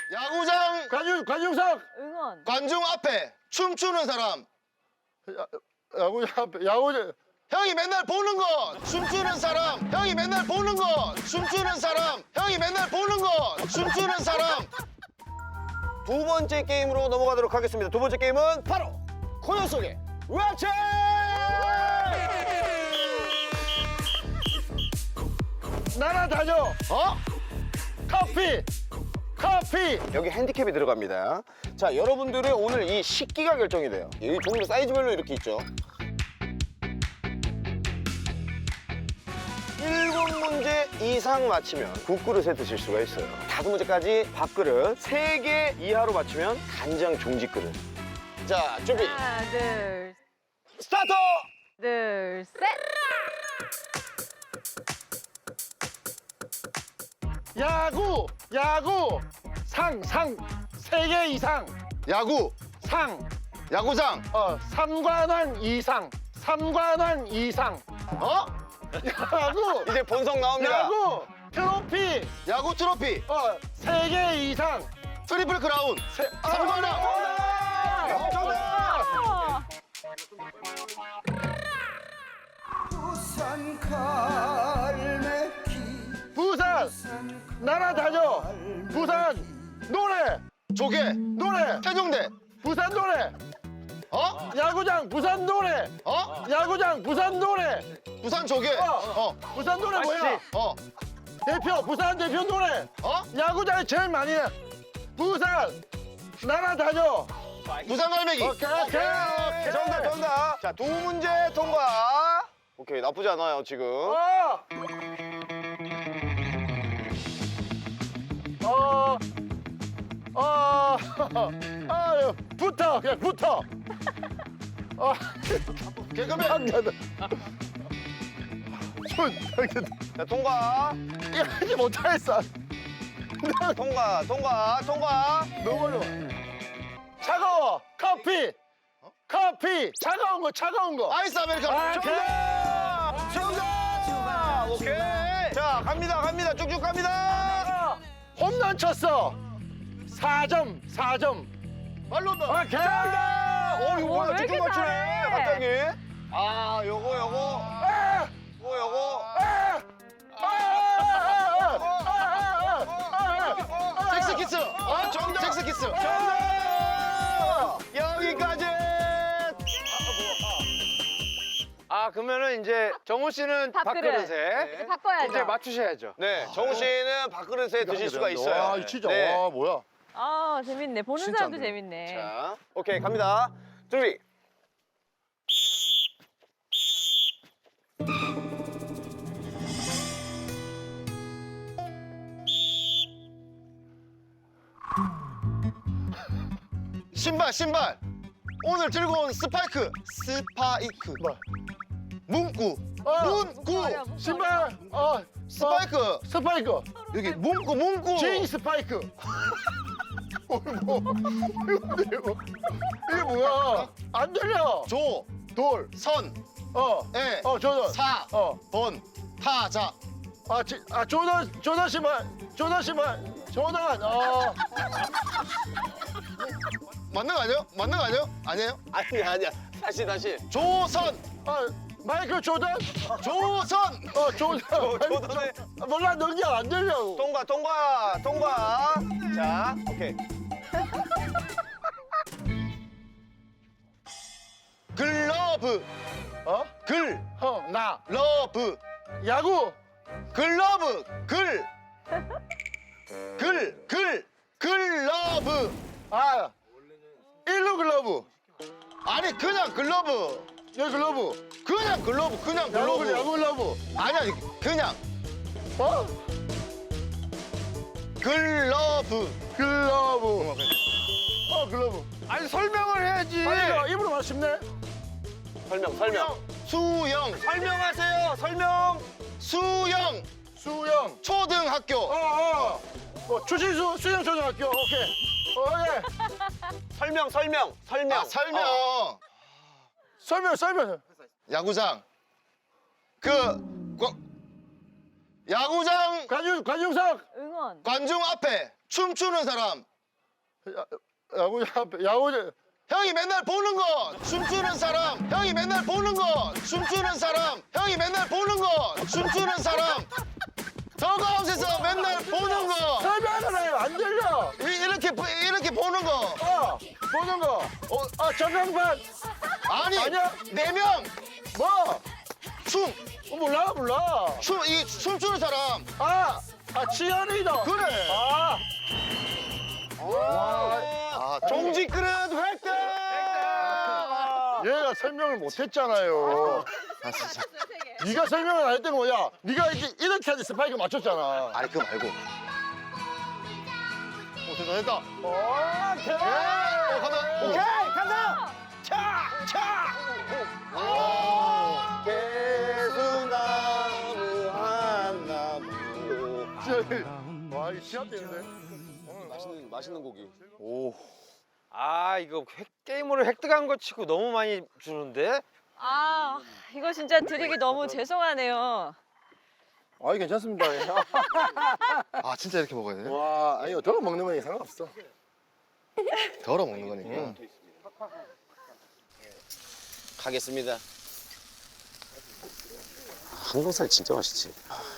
야구장 관중석. 응원. 관중 앞에 춤추는 사람. 야구장 앞에 야구장. 형이 맨날 보는 거 춤추는 사람. 형이 맨날 보는 거 춤추는 사람. 형이 맨날 보는 거 춤추는 사람. 두 번째 게임으로 넘어가도록 하겠습니다. 두 번째 게임은 바로 코너 속의 웹체! 날아다녀. 어? 커피. 여기 핸디캡이 들어갑니다. 자, 여러분들의 오늘 이 식기가 결정이 돼요. 이 종류 사이즈별로 이렇게 있죠. 7문제 이상 맞히면 국그릇에 드실 수가 있어요. 5문제까지 밥그릇, 3개 이하로 맞히면 간장 종지그릇. 자, 준비, 하나, 둘, 스타트! 둘, 셋. 야구. 상. 3개 이상. 야구 상. 야구장. 3관왕 이상. 어? 야구. 이제 본성 나옵니다. 야구. 트로피. 야구 트로피. 3개 이상. 트리플 크라운. 삼관왕. 정답. 어. 부산. 날아다녀. 부산. 노래. 조개. 노래. 태종대. 부산 노래. 어? 야구장 부산 노래. 어? 야구장 부산 노래. 부산 조개. 부산 노래 뭐야? 어. 대표 부산 대표 노래. 어? 야구장에 제일 많이 해. 부산 날아다녀. 부산 갈매기. 오케이. 정답. 자, 2문제 통과. 오케이, 나쁘지 않아요, 지금. 붙어 그냥 붙어. 개그맨. 자, 통과. 이게 못하겠어. 통과. 너무 어려워. 차가워. 커피. 차가운 거. 아이스 아메리카노. 정답! 오케이. 자, 갑니다. 쭉쭉 갑니다. 홈런 쳤어. 4점. 말로 온다. 오케이. 이거 뭐야? 왜 쭉쭉 이렇게 맞추네. 잘해? 갑자기. 아, 요거. 잭스 키스. 정답. 잭스 키스. 여기까지. 그러면은 이제 정우 씨는 밥그릇. 밥그릇에 이제 바꿔야죠. 이제 맞추셔야죠. 네, 정우 씨는 밥그릇에 드실 수가 있어요. 와, 진짜. 네. 와, 뭐야. 재밌네. 보는 진짜 사람도 안 돼. 재밌네. 자, 오케이, 갑니다. 준비. 신발. 오늘 들고 온 스파이크. 뭐? 문구. 아니야, 문구. 신발. 스파이크. 스파이크. 여기 문구. 진 스파이크. 이게 뭐야? 안 들려. 돌. 선. 에. 조던. 사. 번. 타자. 조던 신발. 조던. 맞는 거 아니에요? 아니에요? 아니야. 다시. 조선. 마이클 조던. 조선. 조던. 조던에 몰라, 넘겨. 안 들려. 통과. 자, 오케이. 글러브. 나. 러브. 야구. 글러브. 글러브. 일루 글러브. 아니 그냥 글러브. 여기 글러브. 그냥 글러브. 야구 글러브. 아니 그냥 글러브. 글러브. 글러브. 아니, 설명을 해야지. 아니, 입으로 말 쉽네. 설명. 수영. 설명하세요. 설명. 수영. 초등학교. 추신수 수영초등학교. 오케이. 설명. 설명. 야구장. 야구장 관중석. 응원. 관중 앞에 춤추는 사람. 야구 앞에 야구 형이 맨날 보는 거 춤추는 사람 형이 맨날 보는 거 춤추는 사람 형이 맨날 보는 거 춤추는 사람 더가웃에서 맨날 보는 거 설명을 해요. 안 들려. 이렇게 보는 거 보는 거. 전광판. 아니 아니야? 4명 뭐? 춤 몰라. 이 춤추는 사람 치어리더. 그래 종지 그릇 획득! 얘가 설명을 못했잖아요. 네가 설명을 안 했던 거야. 네가 이렇게 하는데 스파이크 맞췄잖아. 아니 그거 말고 됐다 대박. 오케이 간다. 개수나무 한 나무. 와, 이거 시합 되는데. 맛있는 고기. 오. 아 이거 게임으로 획득한 거 치고 너무 많이 주는데? 아, 이거 진짜 드리기 너무 죄송하네요. 괜찮습니다. 아 진짜 이렇게 먹어야 돼? 와, 아니요. 덜어 먹는 거니 상관없어. 덜어 먹는 거니까 가겠습니다. 항정살 진짜 맛있지.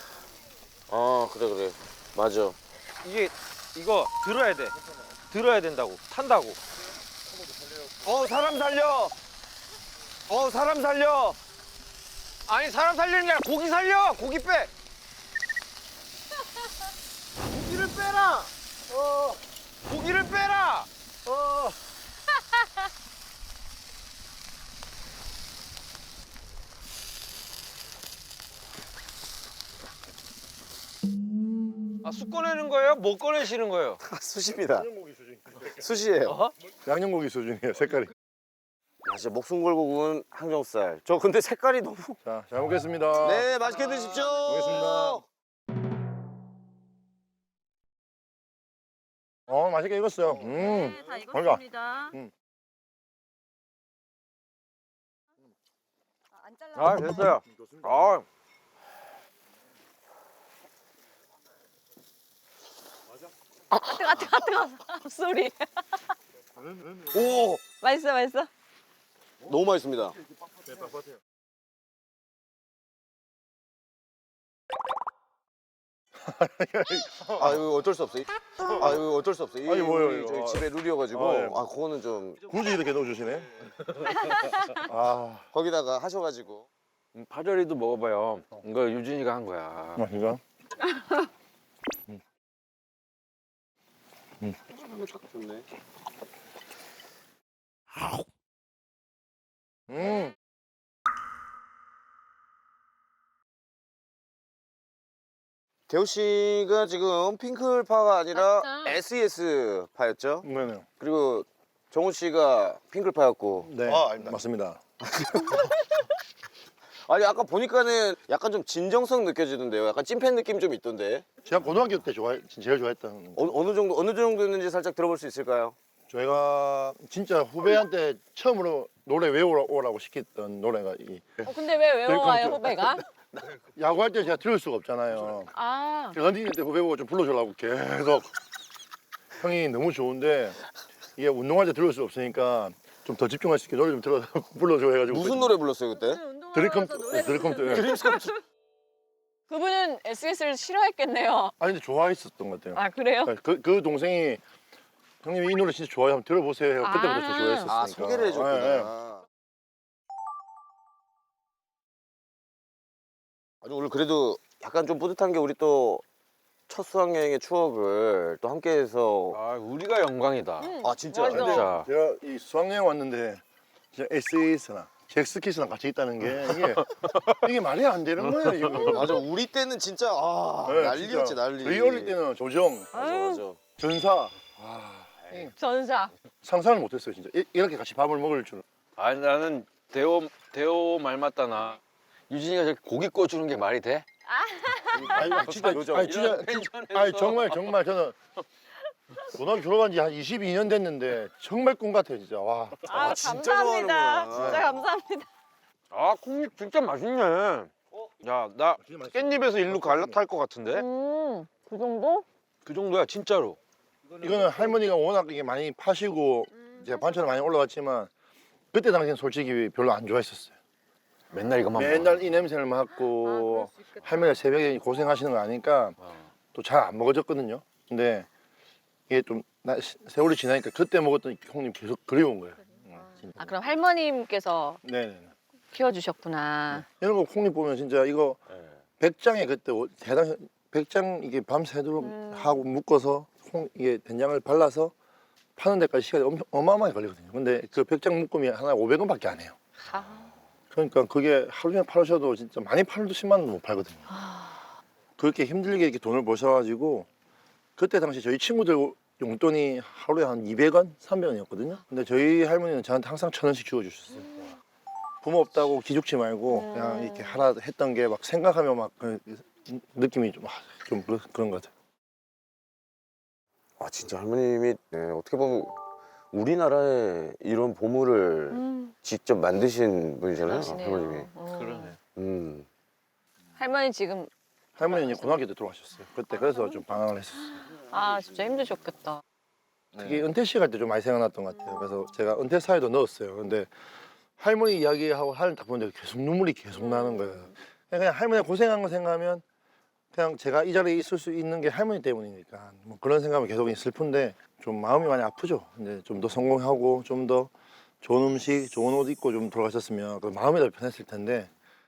그래. 맞아. 이거 들어야 돼. 들어야 된다고. 탄다고. 사람 살려. 사람 살려. 아니 사람 살리는 게 아니라 고기 살려. 고기 빼. 고기를 빼라. 고기를 빼라. 쑥 꺼내는 거예요? 못 꺼내시는 거예요? 수십니다. 수시예요. 양념고기 수준이에요, 색깔이. 진짜 목숨 걸고 구운 항정살. 저 근데 색깔이 너무. 자, 잘 먹겠습니다. 네, 맛있게 드십시오. 먹겠습니다. 맛있게 익었어요. 다 뭔가. 익었습니다. 안 잘라. 아 됐어요. 뜨거. 소리. 오, 맛있어. 너무 맛있습니다. 이거 어쩔 수 없어요. 이거 어쩔 수 없어요. 아니, 뭐예요, 우리 이거. 저희 집에 룰이어가지고. 예. 그거는 좀 굳이 이렇게 넣어주시네. 거기다가 하셔가지고. 파절이도 먹어봐요. 이거 유진이가 한 거야. 맛있가? 좋네. 대호 씨가 지금 핑클파가 아니라 맞다. SES파였죠? 네네. 그리고 정훈 씨가 핑클파였고. 네, 아닙니다. 맞습니다. 아니 아까 보니까는 약간 좀 진정성 느껴지던데요. 약간 찐팬 느낌 좀 있던데. 제가 고등학교 때 제일 좋아했던. 어느 정도였는지 살짝 들어볼 수 있을까요? 저희가 진짜 후배한테 처음으로 노래 외우라고 시켰던 노래가 근데 왜 외워와요, 후배가? 야구할 때 제가 들을 수가 없잖아요. 런닝할 때 후배 보고 좀 불러주려고 계속. 형이 너무 좋은데 이게 운동할 때 들을 수 없으니까 좀 더 집중할 수 있게 노래 좀 불러줘 해가지고. 무슨 노래 불렀어요 그때? 드림컴. 그분은 SS를 싫어했겠네요. 아니 근데 좋아했었던 것 같아요. 아, 그래요? 그 동생이 형님 이 노래 진짜 좋아요. 한번 들어보세요. 해서 그때부터 저 좋아했었으니까. 소개를 해줬구나. 예, 예. 아니 오늘 그래도 약간 좀 뿌듯한 게 우리 또 첫 수학여행의 추억을 또 함께해서. 우리가 영광이다. 진짜. 맞아. 진짜. 제가 이 수학여행 왔는데 진짜 SES나 잭스키스랑 같이 있다는 게 이게 말이 안 되는 거예요. 이거. 맞아 우리 때는 진짜 네, 난리였지 진짜. 난리. 저희 어릴 때는 조정, 맞아. 전사 전사. 상상을 못했어요. 진짜 이렇게 같이 밥을 먹을 줄. 아니 나는 대호 말 맞다나. 유진이가 저렇게 고기 꺼주는 게 말이 돼? 아니 진짜 요정. 아니 진짜 이런 텐션에서. 아니 정말 저는 고등학교 졸업한 지 한 22년 됐는데 정말 꿈 같아요 진짜. 와. 진짜 감사합니다. 좋아하는구나. 진짜 감사합니다. 콩잎 진짜 맛있네. 야, 나 깻잎에서 일로 갈라탈 것 같은데? 그 정도? 그 정도야 진짜로. 이거는 할머니가 워낙 이게 많이 파시고 이제 반찬이 많이 올라갔지만 그때 당시엔 솔직히 별로 안 좋아했었어요. 맨날 이것만 맨날 이 냄새를 맡고 할머니가 새벽에 고생하시는 거 아니까 또 잘 안 먹어졌거든요. 근데 이게 좀 세월이 지나니까 그때 먹었던 형님 계속 그리운 거예요. 아 그럼 할머님께서 네네. 키워주셨구나. 이런 거 콩잎 보면 진짜 이거 백장에 그때 대당 백장 이게 밤새도록 하고 묶어서 이게 된장을 발라서 파는 데까지 시간이 어마어마하게 걸리거든요. 근데 그 백장 묶음이 하나 500원밖에 안 해요. 그러니까 그게 하루 종일 팔으셔도 진짜 많이 팔도 10만 원도 못 팔거든요. 그렇게 힘들게 이렇게 돈을 버셔가지고 그때 당시 저희 친구들 용돈이 하루에 한 200원, 300원이었거든요. 근데 저희 할머니는 저한테 항상 1,000원씩 주워주셨어요. 부모 없다고 기죽지 말고 그냥 이렇게 하라 했던 게 막 생각하면 막 그 느낌이 좀 그런 것 같아요. 아 진짜 할머님이 어떻게 보면 우리나라에 이런 보물을 직접 만드신 분이잖아요. 그러시네요. 할머님이. 그러네. 할머니 지금 할머니는 고등학교 때 돌아가셨어요. 그때 그래서 좀 방황을 했었어요. 아 진짜 힘드셨겠다. 특히 은퇴 식 할 때 좀 많이 생각났던 것 같아요. 그래서 제가 은퇴 사회도 넣었어요. 근데 할머니 이야기하고 하는 딱 보는데 계속 눈물이 계속 나는 거예요. 그냥 할머니가 고생한 거 생각하면 그냥 제가 이 자리에 있을 수 있는 게 할머니 때문이니까 뭐 그런 생각은 계속 슬픈데 좀 마음이 많이 아프죠. 근데 좀 더 성공하고 좀 더 좋은 음식, 좋은 옷 입고 좀 돌아가셨으면 그 마음이 더 편했을 텐데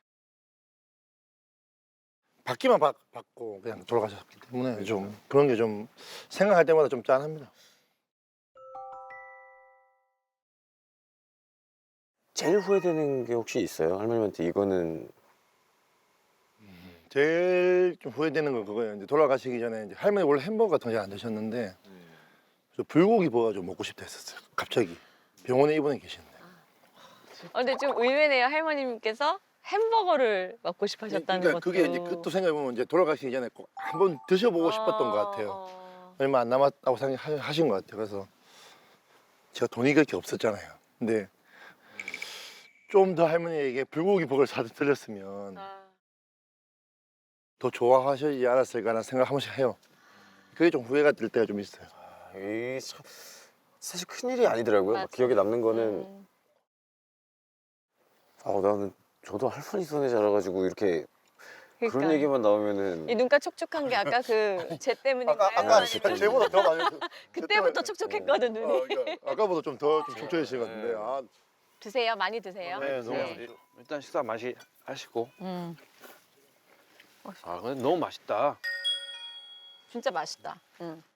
받기만 받고 그냥 돌아가셨기 때문에 좀 그런 게 좀 생각할 때마다 좀 짠합니다. 제일 후회되는 게 혹시 있어요? 할머님한테 이거는 제일 좀 후회되는 건 그거예요. 이제 돌아가시기 전에 이제 할머니 원래 햄버거 같은 거 잘 안 드셨는데 저 불고기 버거 좀 먹고 싶다 했었어요. 갑자기 병원에 입원해 계시는데. 근데 좀 의외네요. 할머님께서 햄버거를 먹고 싶으셨다는 그러니까 것도. 그게 이제 그것도 생각해보면 이제 돌아가시기 전에 꼭 한번 드셔보고 싶었던 것 같아요. 얼마 안 남았다고 생각하신 것 같아요. 그래서 제가 돈이 그렇게 없었잖아요. 근데 좀 더 할머니에게 불고기 버거를 사드렸으면 더 좋아하시지 않았을까라는 생각 한 번씩 해요. 그게 좀 후회가 될 때가 좀 있어요. 이 사실 큰일이 아니더라고요. 맞아. 기억에 남는 거는 나는 저도 할머니 손에 자라가지고 이렇게 그런 그러니까. 얘기만 나오면은 이 눈가 촉촉한 게 아까 그 쟤 때문인가요? 아까 제보다 더 많이 그때부터 촉촉했거든 눈이. 그러니까 아까보다 좀 더 촉촉해지신 것 같은데. 아, 드세요. 많이 드세요. 네, 너무 일단 식사 맛이 하시고. 음. 아 근데 너무 맛있다. 진짜 맛있다.